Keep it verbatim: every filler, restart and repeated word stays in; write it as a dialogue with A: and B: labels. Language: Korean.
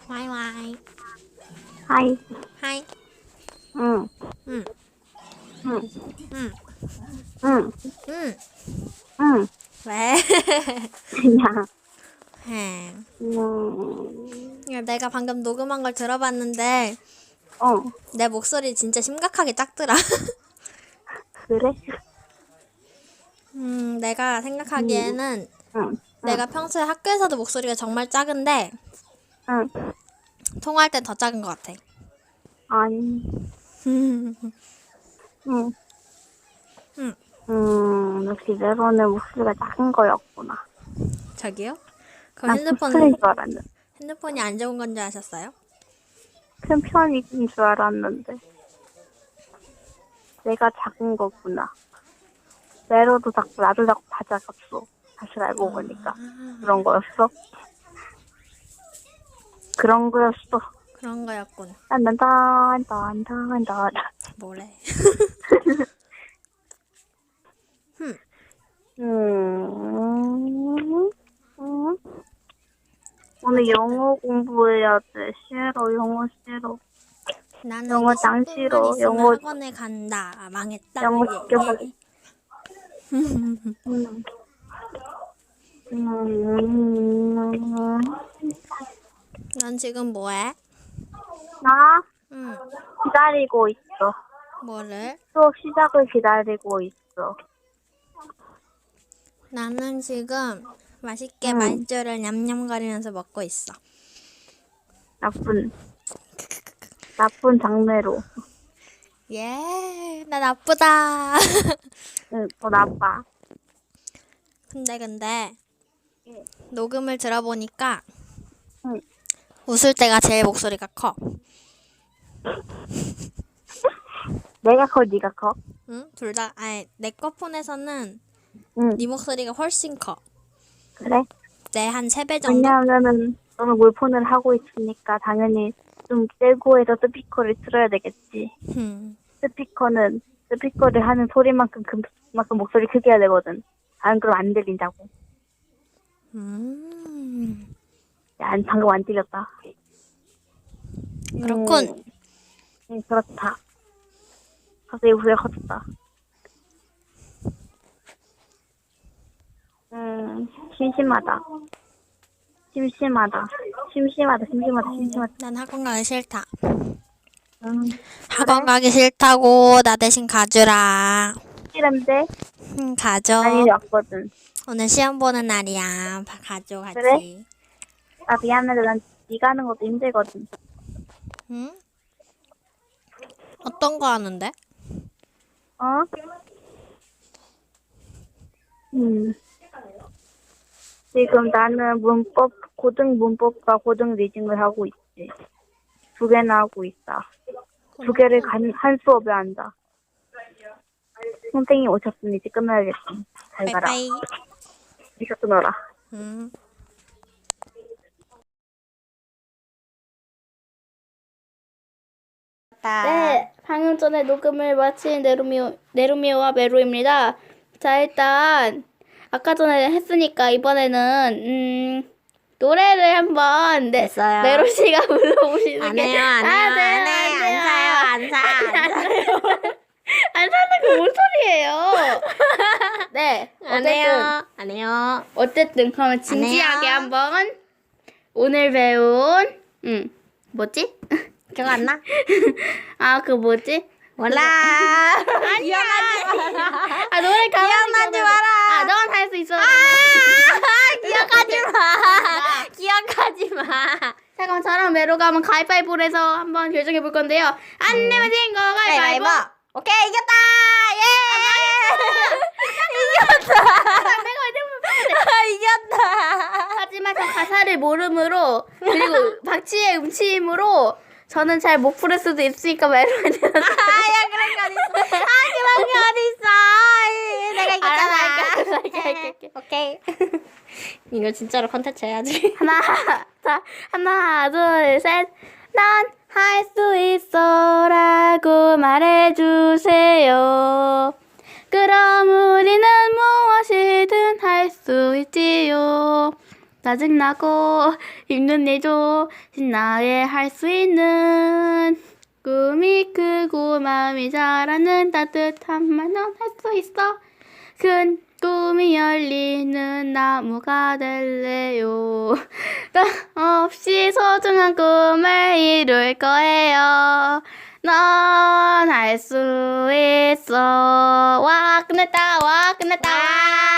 A: 와이 와이.
B: 하이.
A: 하이.
B: 응.
A: 응.
B: 응.
A: 응.
B: 응.
A: 응.
B: 응.
A: 왜?
B: 그냥.
A: 응.
B: 음.
A: 야, 내가 방금 녹음한 걸 들어봤는데
B: 어.
A: 내 목소리 진짜 심각하게 작더라.
B: 그래?
A: 음, 내가
B: 응.
A: 생각하기에는
B: 응. 응.
A: 내가 평소에 학교에서도 목소리가 정말 작은데
B: 응.
A: 통화할 땐 더 작은 것 같아.
B: 아니. 응.
A: 응.
B: 음. 역시 메론의 목소리가 작은 거였구나.
A: 저기요? 그럼
B: 난 큰 편인
A: 핸드폰
B: 줄 알았는데.
A: 핸드폰이 안 좋은 건 줄 아셨어요?
B: 큰 편인 줄 알았는데. 내가 작은 거구나. 메로도 작고 나도 작고 다 작았어. 사실 알고 보니까. 그런 거였어? 그런 거였어.
A: 그런 거였군.
B: 딴딴딴딴딴딴.
A: 뭐래? 흠.
B: 음, 음. 오늘
A: 어쨌든
B: 영어 공부해야 돼. 싫어, 영어 싫어.
A: 나는
B: 영어 짱
A: 이십 분만
B: 싫어.
A: 있으면
B: 영어,
A: 학원에 간다. 아, 망했다.
B: 영어
A: 예,
B: 시켜버리.
A: 예.
B: 음, 음,
A: 넌 지금 뭐해?
B: 나
A: 응.
B: 기다리고 있어.
A: 뭐를?
B: 수업 시작을 기다리고 있어.
A: 나는 지금 맛있게
B: 응,
A: 말주를 냠냠거리면서 먹고 있어.
B: 나쁜, 나쁜 장르로.
A: 예, 나 나쁘다.
B: 응, 더 나빠.
A: 근데 근데
B: 응,
A: 녹음을 들어보니까
B: 응.
A: 웃을 때가 제일 목소리가 커.
B: 내가 커, 네가 커?
A: 응? 둘 다, 아니, 내 거 폰에서는
B: 응,
A: 네 목소리가 훨씬 커.
B: 그래?
A: 내 한 세 배 정도?
B: 왜냐하면은 너는 몰폰을 하고 있으니까 당연히 좀 떼고 해서 스피커를 틀어야 되겠지.
A: 음.
B: 스피커는 스피커를 하는 소리만큼 그만큼 목소리 크게 해야 되거든. 안 그럼 안 들린다고.
A: 음.
B: 야, 안- 방금 안 들렸다.
A: 그렇군.
B: 음, 음, 그렇다. 갑자기 목소리가 커졌다. 음, 심심하다. 심심하다. 심심하다. 심심하다. 심심하다.
A: 난 학원 가기 싫다.
B: 음,
A: 학원
B: 그래?
A: 가기 싫다고 나 대신 가주라.
B: 싫은데?
A: 응,
B: 난
A: 가줘.
B: 이제 왔거든.
A: 오늘 시험 보는 날이야. 바- 가줘,
B: 그래?
A: 같이.
B: 나 미안한데 난 네가 하는 것도 힘들거든.
A: 응? 어떤 거 하는데?
B: 어? 음. 지금 나는 문법, 고등 문법과 고등 리딩을 하고 있지. 두 개나 하고 있다. 두 개를
A: 그렇군.
B: 간, 한 수업에 한다. 선생님 오셨으니 이제 끝나야겠다. 잘 가라.
A: 빠이빠이.
B: 이제 끊어라.
A: 응.
C: 네, 방금 전에 녹음을 마친 네루미오, 네루미오와 메로입니다. 자, 일단 아까 전에 했으니까 이번에는 음, 노래를 한번 네,
A: 됐어요.
C: 메로 씨가 불러보시는
A: 안
C: 게
A: 해요, 안 해요,
C: 아, 네,
A: 안 해,
C: 안 돼요.
A: 안 사요, 안 사, 안
C: 안
A: 사.
C: 사요. 안 사는 게 뭔 소리예요? 네,
A: 안
C: 어쨌든
A: 해요, 안 해요.
C: 어쨌든 그러면 진지하게
A: 해요.
C: 한번 오늘 배운 음, 뭐지?
A: 기억 안 나?
C: 아, 그 뭐지?
A: 몰라.
C: 아니야. 아, 노래 가만히
A: 기억나지
C: 가만히.
A: 마라.
C: 아, 넌 할 수 있어.
A: 아, 기억하지 마. 기억하지 마.
C: 자, 그럼 저랑 메로가 한번 가위바위보를 해서 한번 결정해 볼 건데요. 안 내면 진거 가위바위보.
A: 오케이, 이겼다. 예.
C: 내가 이러면
A: 이겼다.
C: 하지만 저 가사를 모름으로 그리고 박치의 음치임으로 저는 잘 못 부를 수도 있으니까 메로한테
A: 아야, 그런 게 어딨어. 아, 그런 게 어딨어. 아이, 내가 이겼잖아.
C: 알았어, 할게, 할게, 할게.
A: 오케이. 이거 진짜로 컨텐츠 해야지.
C: 하나, 자, 하나, 둘, 셋. 난 할 수 있어라고 말해주세요. 그럼 우리는 무엇이든 할 수 있지요. 짜증나고 힘든 일도 신나게 할 수 있는 꿈이 크고 마음이 자라는 따뜻한 말 넌 할 수 있어. 큰 꿈이 열리는 나무가 될래요. 너 없이 소중한 꿈을 이룰 거예요. 넌 할 수 있어. 와, 끝냈다. 와, 끝냈다.